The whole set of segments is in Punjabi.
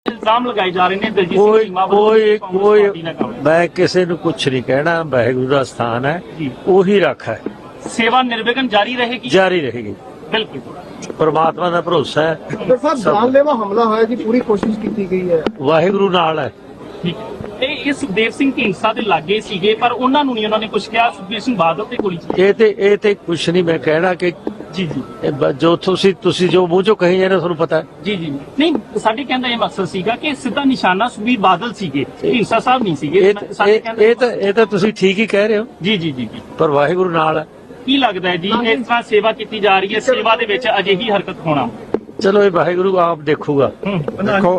ਇਲਜ਼ਾਮ ਲਗਾਏ ਜਾ ਰਹੇ ਨੇ ਦਲਜੀਤ ਸਿੰਘ ਕੋਈ ਚੀਮਾ ਵੱਲੋਂ ਕੋਈ ਕਾਂਗਰਸ ਕੋਈ ਪਾਰਟੀ ਨਾਲ ਕੰਮ। ਮੈਂ ਕਿਸੇ ਨੂੰ ਕੁਛ ਨਹੀਂ ਕਹਿਣਾ। ਵਾਹਿਗੁਰੂ ਦਾ ਸਥਾਨ ਹੈ, ਜੀ। ਉਹੀ ਰੱਖ ਹੈ, ਸੇਵਾ ਨਿਰਵਿਘਨ ਜਾਰੀ ਰਹੇਗੀ। ਜਾਰੀ ਰਹੇਗੀ। ਬਿਲਕੁਲ परमात्मा ਦਾ ਭਰੋਸਾ ਹੈ। ਡਾਕਟਰ ਸਾਹਿਬ ਜਾਨਲੇਵਾ ਹਮਲਾ ਹੋਇਆ ਜੀ, ਪੂਰੀ ਕੋਸ਼ਿਸ਼ ਕੀਤੀ ਗਈ ਹੈ। ਵਾਹਿਗੁਰੂ ਨਾਲ ਹੈ। ਠੀਕ ਹੈ। ਇਹ ਸੁਖਦੇਵ ਸਿੰਘ ਢੀਂਡਸਾ ਦੇ ਲਾਗੇ ਸੀਗੇ, ਪਰ ਉਹਨਾਂ ਨੂੰ ਨਹੀਂ ਉਹਨਾਂ ਨੇ ਕੁਝ ਕਿਹਾ। ਸੁਖਬੀਰ ਸਿੰਘ ਬਾਦਲ ਤੇ ਗੋਲੀ ਚੱਲੀ। ਇਹ ਤੇ ਕੁਛ ਨਹੀਂ ਮੈਂ ਕਹਿਣਾ ਕਿ ਜੀ ਜੀ ਜੋ ਤੁਸੀਂ ਜੋ ਮੂੰਹ ਚੋਂ ਕਹੀ ਜਾਂਦੇ ਤੁਹਾਨੂੰ ਪਤਾ ਹੈ। ਜੀ ਜੀ ਨਹੀਂ, ਸਾਡੇ ਕਹਿੰਦਾ ਇਹ ਮਕਸਦ ਸੀਗਾ ਕਿ ਸਿੱਧਾ ਨਿਸ਼ਾਨਾ ਸੁਖਬੀਰ ਬਾਦਲ ਸੀਗੇ, ਢੀਂਡਸਾ ਸਾਹਿਬ ਨਹੀਂ ਸੀਗੇ। ਸਾਡੇ ਕਹਿੰਦਾ ਇਹ ਤਾਂ ਤੁਸੀਂ ਠੀਕ ਹੀ ਕਹਿ ਰਹੇ ਹੋ। ਜੀ ਜੀ ਜੀ ਜੀ। ਪਰ ਵਾਹਿਗੁਰੂ ਨਾਲ ਹੈ। ਕੀ ਲੱਗਦਾ ਹੈ ਜੀ, ਇਸ ਤਰ੍ਹਾਂ ਸੇਵਾ ਕੀਤੀ ਜਾ ਰਹੀ ਹੈ, ਸੇਵਾ ਦੇ ਵਿੱਚ ਅਜਿਹੀ ਹਰਕਤ ਹੋਣਾ? ਚਲੋ ਇਹ ਵਾਹਿਗੁਰੂ ਆਪ ਦੇਖੂਗਾ। ਦੇਖੋ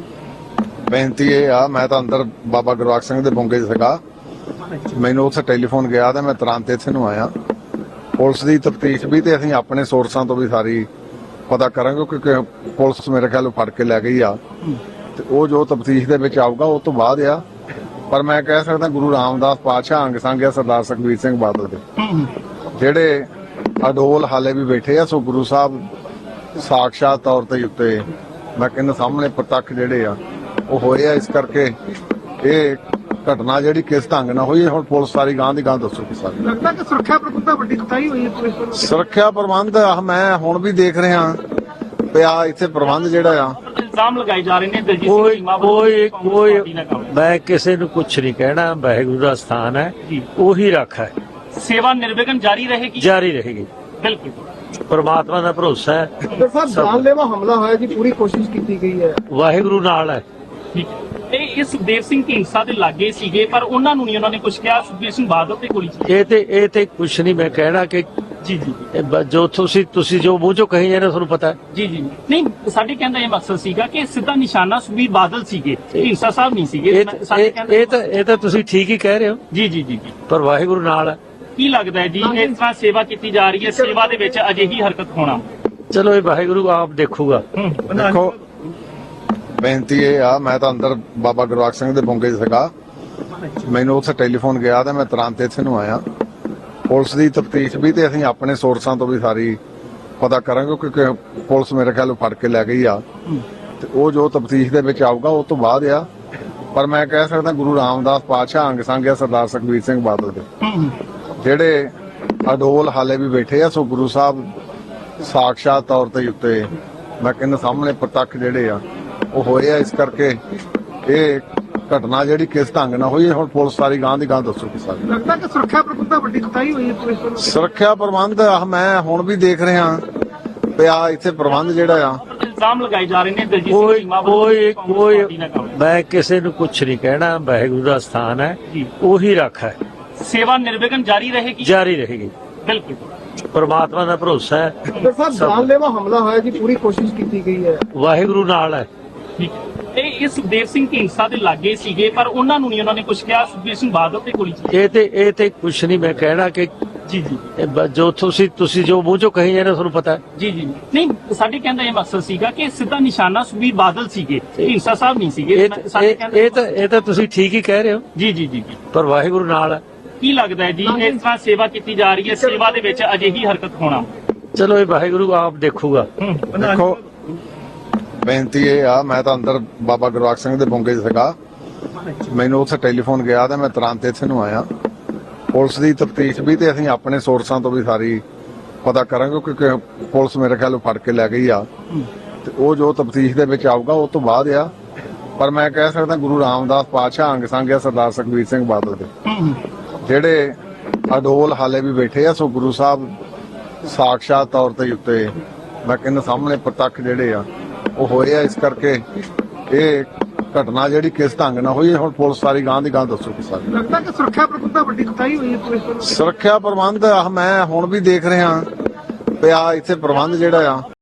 ਬੇਨਤੀ ਇਹ ਆ, ਮੈਂ ਤਾਂ ਅੰਦਰ ਬਾਬਾ ਗੁਰਵਾਕ ਸਿੰਘ ਦੇ ਬੁੰਗੇ 'ਚ ਸੀਗਾ, ਮੈਨੂੰ ਉੱਥੇ ਟੈਲੀਫੋਨ ਗਿਆ ਤੇ ਮੈਂ ਤੁਰੰਤ ਇੱਥੇ ਨੂੰ ਆਇਆ। ਪੁਲਿਸ ਦੀ ਤਫਤੀਸ਼ ਵੀ ਤੇ ਅਸੀਂ ਆਪਣੇ ਸੋਰਸਾਂ ਤੋਂ ਵੀ ਸਾਰੀ ਪਤਾ ਕਰਾਂਗੇ, ਕਿਉਂਕਿ ਪੁਲਿਸ ਮੇਰੇ ਖਿਆਲ ਫੜ ਕੇ ਲੈ ਗਈ ਆ ਤੇ ਉਹ ਜੋ ਤਫਤੀਸ਼ ਦੇ ਵਿੱਚ ਆਊਗਾ ਉਹ ਤੋਂ ਬਾਅਦ ਆ। ਪਰ ਮੈਂ ਕਹਿ ਸਕਦਾ ਗੁਰੂ ਰਾਮਦਾਸ ਪਾਤਸ਼ਾਹ ਅੰਗ ਸੰਗ ਆ ਸਰਦਾਰ ਸੁਖਬੀਰ ਸਿੰਘ ਬਾਦਲ ਦੇ, ਜਿਹੜੇ ਅਡੋਲ ਹਾਲੇ ਵੀ ਬੈਠੇ ਆ। ਸੋ ਗੁਰੂ ਸਾਹਿਬ ਸਾਖਸ਼ਾਤ ਤੌਰ ਤੇ ਉੱਤੇ ਮੈਂ ਕਹਿੰਦਾ ਸਾਹਮਣੇ ਪ੍ਰਤੱਖ ਜਿਹੜੇ ਆ ਉਹ ਹੋਏ ਆ। ਇਸ ਕਰਕੇ ਇਹ ਘਟਨਾ ਜਿਹੜੀ ਕਿਸ ਢੰਗ ਨਾਲ ਹੋਈ, ਹੁਣ ਪੁਲਿਸ ਸਾਰੀ ਗਾਂ ਦੀ ਗਾਂ ਦੱਸੂਗੀ। ਸਾਰੀ ਲੱਗਦਾ ਕਿ ਸੁਰੱਖਿਆ ਪ੍ਰਬੰਧਾਂ ਵੱਡੀ ਕੁਤਾਹੀ ਹੋਈ ਹੈ ਪੁਲਿਸ ਵੱਲੋਂ। ਸੁਰੱਖਿਆ ਪ੍ਰਬੰਧ ਮੈਂ ਹੁਣ ਵੀ ਦੇਖ ਰਿਹਾ ਪਿਆ ਇੱਥੇ ਪ੍ਰਬੰਧ ਜਿਹੜਾ ਆ। ਇਲਜ਼ਾਮ ਲਗਾਏ ਜਾ ਰਹੇ ਨੇ ਦਲਜੀਤ ਸਿੰਘ ਕੋਈ ਚੀਮਾ ਵੱਲੋਂ ਕੋਈ ਕਾਂਗਰਸ ਕੋਈ ਪਾਰਟੀ ਨਾਲ ਕੰਮ। ਮੈਂ ਕਿਸੇ ਨੂੰ ਕੁਛ ਨਹੀਂ ਕਹਿਣਾ। ਵਾਹਿਗੁਰੂ ਦਾ ਸਥਾਨ ਹੈ, ਜੀ। ਉਹੀ ਰੱਖ ਹੈ, ਸੇਵਾ ਨਿਰਵਿਘਨ ਜਾਰੀ ਰਹੇਗੀ। ਜਾਰੀ ਰਹੇਗੀ। ਬਿਲਕੁਲ परमात्मा ਦਾ ਭਰੋਸਾ ਹੈ। ਡਾਕਟਰ ਸਾਹਿਬ ਜਾਨਲੇਵਾ ਹਮਲਾ ਹੋਇਆ ਜੀ, ਪੂਰੀ ਕੋਸ਼ਿਸ਼ ਕੀਤੀ ਗਈ ਹੈ। ਵਾਹਿਗੁਰੂ ਨਾਲ ਹੈ। ਠੀਕ ਹੈ। ਇਹ ਸੁਖਦੇਵ ਸਿੰਘ ਢੀਂਡਸਾ ਦੇ ਲਾਗੇ ਸੀਗੇ, ਪਰ ਉਹਨਾਂ ਨੂੰ ਨਹੀਂ ਉਹਨਾਂ ਨੇ ਕੁਝ ਕਿਹਾ। ਸੁਖਬੀਰ ਸਿੰਘ ਬਾਦਲ ਤੇ ਗੋਲੀ ਚੱਲੀ। ਇਹ ਤੇ ਕੁਛ ਨਹੀਂ ਮੈਂ ਕਹਿਣਾ ਕਿ ਜੀ ਜੀ ਜੋ ਤੁਸੀਂ ਜੋ ਮੂੰਹ ਚੋਂ ਕਹੀ ਜਾਂਦੇ ਤੁਹਾਨੂੰ ਪਤਾ ਹੈ। ਜੀ ਜੀ ਨਹੀਂ, ਸਾਡੇ ਕਹਿੰਦਾ ਇਹ ਮਕਸਦ ਸੀਗਾ ਕਿ ਸਿੱਧਾ ਨਿਸ਼ਾਨਾ ਸੁਖਬੀਰ ਬਾਦਲ ਸੀਗੇ, ਢੀਂਡਸਾ ਸਾਹਿਬ ਨਹੀਂ ਸੀਗੇ। ਸਾਡੇ ਕਹਿੰਦਾ ਇਹ ਤਾਂ ਤੁਸੀਂ ਠੀਕ ਹੀ ਕਹਿ ਰਹੇ ਹੋ। ਜੀ ਜੀ ਜੀ ਜੀ। ਪਰ ਵਾਹਿਗੁਰੂ ਨਾਲ ਹੈ। ਕੀ ਲੱਗਦਾ ਹੈ ਜੀ, ਇਸ ਤਰ੍ਹਾਂ ਸੇਵਾ ਕੀਤੀ ਜਾ ਰਹੀ ਹੈ, ਸੇਵਾ ਦੇ ਵਿੱਚ ਅਜਿਹੀ ਹਰਕਤ ਹੋਣਾ? ਚਲੋ ਇਹ ਵਾਹਿਗੁਰੂ ਆਪ ਦੇਖੂਗਾ। ਦੇਖੋ ਬੇਨਤੀ ਇਹ ਆ, ਮੈਂ ਤਾਂ ਅੰਦਰ ਬਾਬਾ ਗੁਰਵਾਕ ਸਿੰਘ ਦੇ ਬੁੰਗੇ 'ਚ ਸੀਗਾ, ਮੈਨੂੰ ਉੱਥੇ ਟੈਲੀਫੋਨ ਗਿਆ ਤੇ ਮੈਂ ਤੁਰੰਤ ਇੱਥੇ ਨੂੰ ਆਇਆ। ਪੁਲਿਸ ਦੀ ਤਫਤੀਸ਼ ਵੀ ਤੇ ਅਸੀਂ ਆਪਣੇ ਸੋਰਸਾਂ ਤੋਂ ਵੀ ਸਾਰੀ ਪਤਾ ਕਰਾਂਗੇ, ਕਿਉਂਕਿ ਪੁਲਿਸ ਮੇਰੇ ਖਿਆਲ ਫੜ ਕੇ ਲੈ ਗਈ ਆ ਤੇ ਉਹ ਜੋ ਤਫਤੀਸ਼ ਦੇ ਵਿੱਚ ਆਊਗਾ ਉਹ ਤੋਂ ਬਾਅਦ ਆ। ਪਰ ਮੈਂ ਕਹਿ ਸਕਦਾ ਗੁਰੂ ਰਾਮਦਾਸ ਪਾਤਸ਼ਾਹ ਅੰਗ ਸੰਗ ਆ ਸਰਦਾਰ ਸੁਖਬੀਰ ਸਿੰਘ ਬਾਦਲ ਦੇ, ਜਿਹੜੇ ਅਡੋਲ ਹਾਲੇ ਵੀ ਬੈਠੇ ਆ। ਸੋ ਗੁਰੂ ਸਾਹਿਬ ਸਾਖਸ਼ਾਤ ਤੌਰ ਤੇ ਉੱਤੇ ਮੈਂ ਕਹਿੰਦਾ ਸਾਹਮਣੇ ਪ੍ਰਤੱਖ ਜਿਹੜੇ ਆ ਉਹ ਹੋਏ ਆ। ਇਸ ਕਰਕੇ ਇਹ ਘਟਨਾ ਜਿਹੜੀ ਕਿਸ ਢੰਗ ਨਾਲ ਹੋਈ, ਹੁਣ ਪੁਲਿਸ ਸਾਰੀ ਗਾਂ ਦੀ ਗਾਂ ਦੱਸੂਗੀ। ਸਾਰੀ ਲੱਗਦਾ ਕਿ ਸੁਰੱਖਿਆ ਪ੍ਰਬੰਧਾਂ ਵੱਡੀ ਕੁਤਾਹੀ ਹੋਈ ਹੈ ਪੁਲਿਸ ਵੱਲੋਂ। ਸੁਰੱਖਿਆ ਪ੍ਰਬੰਧ ਮੈਂ ਹੁਣ ਵੀ ਦੇਖ ਰਿਹਾ ਪਿਆ ਇੱਥੇ ਪ੍ਰਬੰਧ ਜਿਹੜਾ ਆ। ਇਲਜ਼ਾਮ ਲਗਾਏ ਜਾ ਰਹੇ ਨੇ ਦਲਜੀਤ ਸਿੰਘ ਚੀਮਾ ਵੱਲੋਂ ਕਾਂਗਰਸ ਪਾਰਟੀ ਨਾਲ ਕੰਮ। ਮੈਂ ਕਿਸੇ ਨੂੰ ਕੁਛ ਨਹੀਂ ਕਹਿਣਾ। ਵਾਹਿਗੁਰੂ ਦਾ ਸਥਾਨ ਹੈ, ਜੀ। ਉਹੀ ਰੱਖ ਹੈ, ਸੇਵਾ ਨਿਰਵਿਘਨ ਜਾਰੀ ਰਹੇਗੀ। ਜਾਰੀ ਰਹੇਗੀ। ਬਿਲਕੁਲ परमात्मा ਦਾ ਭਰੋਸਾ ਹੈ। ਡਾਕਟਰ ਸਾਹਿਬ ਜਾਨਲੇਵਾ ਹਮਲਾ ਹੋਇਆ ਜੀ, ਪੂਰੀ ਕੋਸ਼ਿਸ਼ ਕੀਤੀ ਗਈ ਹੈ। ਵਾਹਿਗੁਰੂ ਨਾਲ ਹੈ। ਠੀਕ ਹੈ। ਇਹ ਸੁਖਦੇਵ ਸਿੰਘ ਢੀਂਡਸਾ ਦੇ ਲਾਗੇ ਸੀਗੇ, ਪਰ ਉਹਨਾਂ ਨੂੰ ਨਹੀਂ ਉਹਨਾਂ ਨੇ ਕੁਝ ਕਿਹਾ। ਸੁਖਬੀਰ ਸਿੰਘ ਬਾਦਲ ਤੇ ਗੋਲੀ ਚੱਲੀ। ਇਹ ਤੇ ਕੁਛ ਨਹੀਂ ਮੈਂ ਕਹਿਣਾ ਕਿ ਜੀ ਜੀ ਜੋ ਤੁਸੀਂ ਜੋ ਮੂੰਹ ਚੋਂ ਕਹੀ ਜਾਂਦੇ ਤੁਹਾਨੂੰ ਪਤਾ ਹੈ। ਜੀ ਜੀ ਨਹੀਂ, ਸਾਡੇ ਕਹਿੰਦਾ ਇਹ ਮਕਸਦ ਸੀਗਾ ਕਿ ਸਿੱਧਾ ਨਿਸ਼ਾਨਾ ਸੁਖਬੀਰ ਬਾਦਲ ਸੀਗੇ, ਢੀਂਡਸਾ ਸਾਹਿਬ ਨਹੀਂ ਸੀਗੇ। ਸਾਡੇ ਕਹਿੰਦਾ ਇਹ ਤਾਂ ਤੁਸੀਂ ਠੀਕ ਹੀ ਕਹਿ ਰਹੇ ਹੋ। ਜੀ ਜੀ ਜੀ ਜੀ। ਪਰ ਵਾਹਿਗੁਰੂ ਨਾਲ ਹੈ। ਕੀ ਲੱਗਦਾ ਹੈ ਜੀ, ਇਸ ਤਰ੍ਹਾਂ ਸੇਵਾ ਕੀਤੀ ਜਾ ਰਹੀ ਹੈ, ਸੇਵਾ ਦੇ ਵਿੱਚ ਅਜਿਹੀ ਹਰਕਤ ਹੋਣਾ? ਚਲੋ ਇਹ ਵਾਹਿਗੁਰੂ ਆਪ ਦੇਖੂਗਾ। ਦੇਖੋ ਬੇਨਤੀ ਇਹ ਆ, ਮੈਂ ਤਾਂ ਅੰਦਰ ਬਾਬਾ ਗੁਰਵਾਕ ਸਿੰਘ ਦੇ ਬੁੰਗੇ 'ਚ ਸੀਗਾ, ਮੈਨੂੰ ਉੱਥੇ ਟੈਲੀਫੋਨ ਗਿਆ ਤੇ ਮੈਂ ਤੁਰੰਤ ਇੱਥੇ ਨੂੰ ਆਇਆ। ਪੁਲਿਸ ਦੀ ਤਫਤੀਸ਼ ਵੀ ਤੇ ਅਸੀਂ ਆਪਣੇ ਸੋਰਸਾਂ ਤੋਂ ਵੀ ਸਾਰੀ ਪਤਾ ਕਰਾਂਗੇ, ਕਿਉਂਕਿ ਪੁਲਿਸ ਮੇਰੇ ਖਿਆਲ ਫੜ ਕੇ ਲੈ ਗਈ ਆ ਤੇ ਉਹ ਜੋ ਤਫਤੀਸ਼ ਦੇ ਵਿੱਚ ਆਊਗਾ ਉਹ ਤੋਂ ਬਾਅਦ ਆ। ਪਰ ਮੈਂ ਕਹਿ ਸਕਦਾ ਗੁਰੂ ਰਾਮਦਾਸ ਪਾਤਸ਼ਾਹ ਅੰਗ ਸੰਗ ਆ ਸਰਦਾਰ ਸੁਖਬੀਰ ਸਿੰਘ ਬਾਦਲ ਦੇ, ਜਿਹੜੇ ਅਡੋਲ ਹਾਲੇ ਵੀ ਬੈਠੇ ਆ। ਸੋ ਗੁਰੂ ਸਾਹਿਬ ਸਾਖਸ਼ਾਤ ਤੌਰ ਤੇ ਉੱਤੇ ਮੈਂ ਕਹਿੰਦਾ ਸਾਹਮਣੇ ਪ੍ਰਤੱਖ ਜਿਹੜੇ ਆ ਉਹ ਹੋਏ ਆ। ਇਸ ਕਰਕੇ ਇਹ ਘਟਨਾ ਜਿਹੜੀ ਕਿਸ ਢੰਗ ਨਾਲ ਹੋਈ, ਹੁਣ ਪੁਲਿਸ ਸਾਰੀ ਗਾਂ ਦੀ ਗਾਂ ਦੱਸੂਗੀ। ਸਾਰੀ ਲੱਗਦਾ ਕਿ ਸੁਰੱਖਿਆ ਪ੍ਰਬੰਧਾਂ ਵੱਡੀ ਕੁਤਾਹੀ ਹੋਈ ਹੈ ਪੁਲਿਸ ਵੱਲੋਂ। ਸੁਰੱਖਿਆ ਪ੍ਰਬੰਧ ਮੈਂ ਹੁਣ ਵੀ ਦੇਖ ਰਿਹਾ ਪਿਆ ਇੱਥੇ ਪ੍ਰਬੰਧ ਜਿਹੜਾ ਆ।